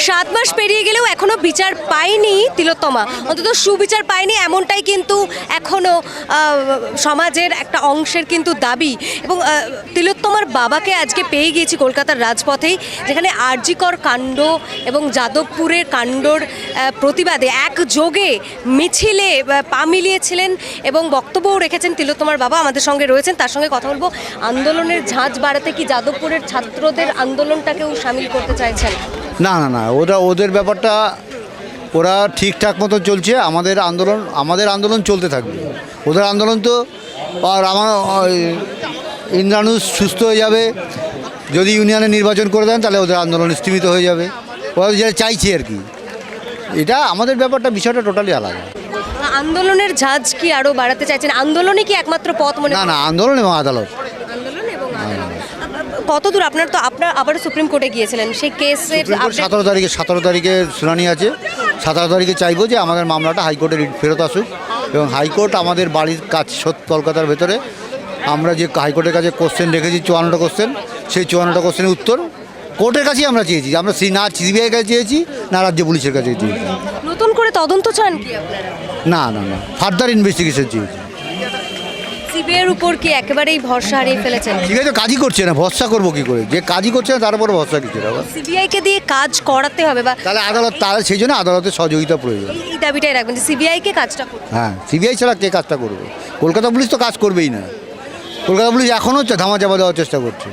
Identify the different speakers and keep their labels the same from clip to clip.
Speaker 1: 7 মাস পেরিয়ে গেলেও এখনো বিচার পায়নি তিলোত্তমা, অন্তত সুবিচার পায়নি এমনটাই কিন্তু এখনো সমাজের একটা অংশের কিন্তু দাবি। এবং তিলোত্তমার বাবাকে আজকে পেয়ে গিয়েছি কলকাতার রাজপথেই, যেখানে আরজিকর কাণ্ড এবং যাদবপুরের কাণ্ডর প্রতিবাদে একযোগে মিছিলে পা মিলিয়েছিলেন এবং বক্তব্যও রেখেছেন তিলোত্তমার বাবা। আমাদের সঙ্গে রয়েছেন, তার সঙ্গে কথা বলবো। আন্দোলনের ঝাঁজ বাড়াতে কি যাদবপুরের ছাত্রদের আন্দোলনটাকেও সামিল করতে চাইছেন?
Speaker 2: না না না, ওদের ব্যাপারটা ওরা ঠিকঠাক মতো চলছে। আমাদের আন্দোলন চলতে থাকবে। ওদের আন্দোলন তো আর আমার ইন্দ্রানুষ সুস্থ হয়ে যাবে, যদি ইউনিয়নে নির্বাচন করে দেন তাহলে ওদের আন্দোলন স্থিমিত হয়ে যাবে। ওরা যেটা চাইছে আর কি, এটা আমাদের ব্যাপারটা, বিষয়টা টোটালি আলাদা।
Speaker 1: আন্দোলনের ঝাঁজ কি আরো বাড়াতে চাইছেন? আন্দোলনই কি একমাত্র পথ মনে?
Speaker 2: না না, আন্দোলন এবং আদালত।
Speaker 1: আন্দোলন এবং আদালত কতদূর? আপনার তো আবারও সুপ্রিম কোর্টে গিয়েছিলেন, সেই কেসের
Speaker 2: 17 তারিখে শুনানি আছে। 17 তারিখে চাইবো যে আমাদের মামলাটা হাইকোর্টে ফেরত আসুক এবং হাইকোর্ট আমাদের বাড়ির কাজ কলকাতার ভেতরে আমরা যে হাইকোর্টের কাছে কোশ্চেন রেখেছি 54টা কোশ্চেন, সেই 54টা কোশ্চেনের উত্তর কোর্টের কাছেই আমরা চেয়েছি। আমরা না সিবিআই কাছে চেয়েছি, না রাজ্য পুলিশের কাছে চেয়েছি।
Speaker 1: নতুন করে তদন্ত চান কি আপনারা?
Speaker 2: না না না, ফার্দার ইনভেস্টিগেশন চেয়েছি।
Speaker 1: সিবিআইয়ের উপর কি একেবারেই ভরসা হারিয়ে ফেলেছেন?
Speaker 2: ঠিক আছে, কাজই করছে না, ভরসা করবো কি করে? যে কাজই করছে না তার উপর ভরসা কিছু না।
Speaker 1: সিবিআইকে দিয়ে কাজ করাতে হবে, বা
Speaker 2: তাহলে সেই জন্য আদালতের সহযোগিতা প্রয়োজন।
Speaker 1: এই দাবিটাই রাখবেন যে সিবিআইকে কাজটা করতে।
Speaker 2: হ্যাঁ, সিবিআই ছাড়া কে কাজটা করবে? কলকাতা পুলিশ তো কাজ করবেই না। কলকাতা পুলিশ এখনও ধামাচাপা দেওয়ার চেষ্টা করছে।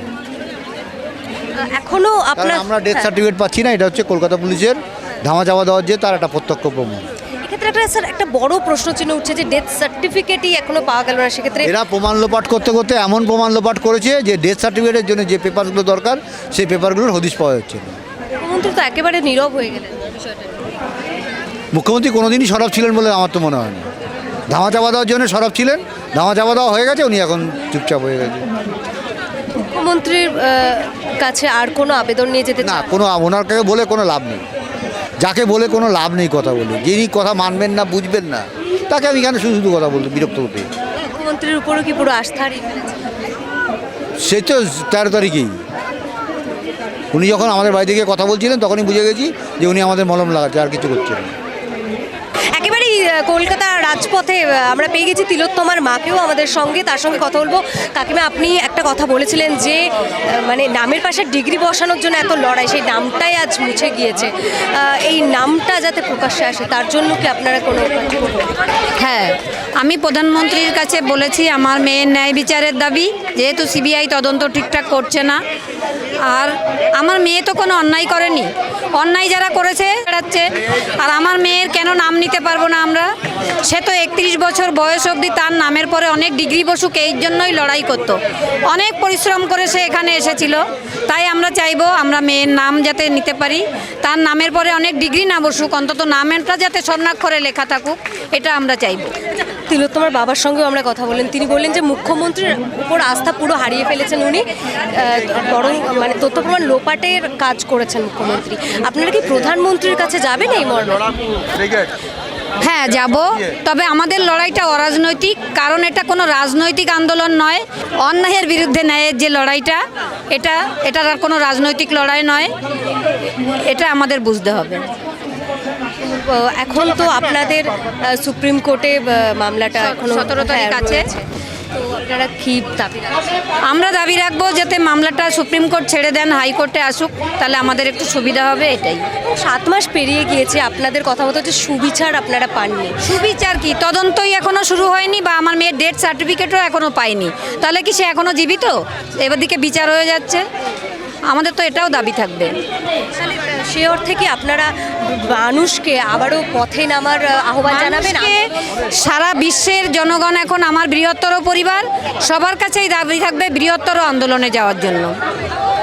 Speaker 1: এখনো আপনার
Speaker 2: আমরা ডেথ সার্টিফিকেট পাচ্ছি না, এটা হচ্ছে কলকাতা পুলিশের ধামাচাপা দেওয়ার যে তার একটা প্রত্যক্ষ প্রমাণ।
Speaker 1: এক্ষেত্রে একটা স্যার একটা বড় প্রশ্ন চিহ্ন উঠছে যে ডেথ সার্টিফিকেটই এখনো পাওয়া গেল না। সেক্ষেত্রে
Speaker 2: এরা প্রমাণ লোপাট করতে করতে এমন প্রমাণ লোপাট করেছে যে ডেথ সার্টিফিকেটের জন্য যে পেপারগুলো দরকার সেই পেপারগুলোর হদিশ পাওয়া যাচ্ছে না।
Speaker 1: মুখ্যমন্ত্রী তো একেবারে নীরব হয়ে গেলেন বিষয়টা।
Speaker 2: মুখ্যমন্ত্রী কোনোদিনই সরব ছিলেন বলে আমার তো মনে হয় না। ধামাচাপা দেওয়ার জন্য সরব ছিলেন, ধামাচাপা দেওয়া হয়ে গেছে, উনি এখন চুপচাপ হয়ে গেছে।
Speaker 1: মুখ্যমন্ত্রীর কাছে আর কোনো আবেদন নিয়ে যেতে
Speaker 2: না, ওনার কাছে বলে কোনো লাভ নেই। যাকে বলে কোনো লাভ নেই কথা বলে, যিনি কথা মানবেন না, বুঝবেন না, তাকে আমি এখানে শুধু শুধু কথা বলতে বিরক্ত হতে।
Speaker 1: মুখ্যমন্ত্রীর উপরও কি পুরো আস্থা হারিয়ে ফেলেছে?
Speaker 2: সে তো 13 তারিখেই উনি যখন আমাদের বাড়ি থেকে কথা বলছিলেন তখনই বুঝে গেছি যে উনি আমাদের মলম লাগাচ্ছে, আর কিছু করছেন না।
Speaker 1: একেবারেই কলকাতা রাজপথে আমরা পেয়ে গেছি তিলোত্তমার মাকেও আমাদের সঙ্গে, তার সঙ্গে কথা বলবো। কাকিমা, আপনি একটা কথা বলেছিলেন যে মানে নামের পাশে ডিগ্রি বসানোর জন্য এত লড়াই, সেই নামটাই আজ মুছে গিয়েছে। এই নামটা যাতে প্রকাশ্যে আসে তার জন্য কি আপনারা কোনো?
Speaker 3: হ্যাঁ, আমি প্রধানমন্ত্রীর কাছে বলেছি আমার মেয়ের ন্যায় বিচারের দাবি, যেহেতু সিবিআই তদন্ত ঠিকঠাক করছে না। আর আমার মেয়ে তো কোনো অন্যায় করেনি, অন্যায় যারা করেছে বেড়াচ্ছে। আর আমার মেয়ের কেন নাম নিতে পারবো না আমরা? সে তো 31 বছর বয়স অবধি তার নামের পরে অনেক ডিগ্রি বসুক, এই জন্যই লড়াই করতো, অনেক পরিশ্রম করে সে এখানে এসেছিল। তাই আমরা চাইবো আমরা মেয়ের নাম যাতে নিতে পারি, তার নামের পরে অনেক ডিগ্রি না বসুক, অন্তত নামেরটা যাতে স্বর্ণাক্ষরে লেখা থাকুক, এটা আমরা চাইবো।
Speaker 1: তিলোত্তমার বাবার সঙ্গেও আমরা কথা বললেন, তিনি বললেন যে মুখ্যমন্ত্রীর উপর আস্থা পুরো হারিয়ে ফেলেছেন উনি, বরং মানে তথ্য প্রমাণ লোপাটের কাজ করেছেন মুখ্যমন্ত্রী। আপনারা কি প্রধানমন্ত্রীর কাছে যাবেন এই মর্মে?
Speaker 3: হ্যাঁ, যাব। তবে আমাদের লড়াইটা অরাজনৈতিক, কারণ এটা কোনো রাজনৈতিক আন্দোলন নয়। অন্যায়ের বিরুদ্ধে ন্যায়ের যে লড়াইটা, এটার আর কোনো রাজনৈতিক লড়াই নয়, এটা আমাদের বুঝতে হবে।
Speaker 1: এখন তো আপনাদের সুপ্রিম কোর্টে মামলাটা এখন
Speaker 3: 17 তারিখ আছে।
Speaker 1: তো আপনারা কি দাবি রাখছেন?
Speaker 3: আমরা দাবি রাখবো যাতে মামলাটা সুপ্রিম কোর্ট ছেড়ে দেন, হাইকোর্টে আসুক, তাহলে আমাদের একটু সুবিধা হবে, এটাই।
Speaker 1: 7 মাস পেরিয়ে গিয়েছে, আপনাদের কথা মতো যে সুবিচার আপনারা পাননি।
Speaker 3: সুবিচার কি? তদন্তই এখনও শুরু হয়নি, বা আমার মেয়ের ডেথ সার্টিফিকেটও এখনও পাইনি, তাহলে কি সে এখনও জীবিত? এবার দিকে বিচার হয়ে যাচ্ছে, আমাদের তো এটাও দাবি থাকবে।
Speaker 1: সে অর্থে কি আপনারা মানুষকে আবারও পথে নামার আহ্বান জানাবেন?
Speaker 3: সারা বিশ্বের জনগণ এখন আমার বৃহত্তর পরিবার, সবার কাছেই দাবি থাকবে বৃহত্তর আন্দোলনে যাওয়ার জন্য।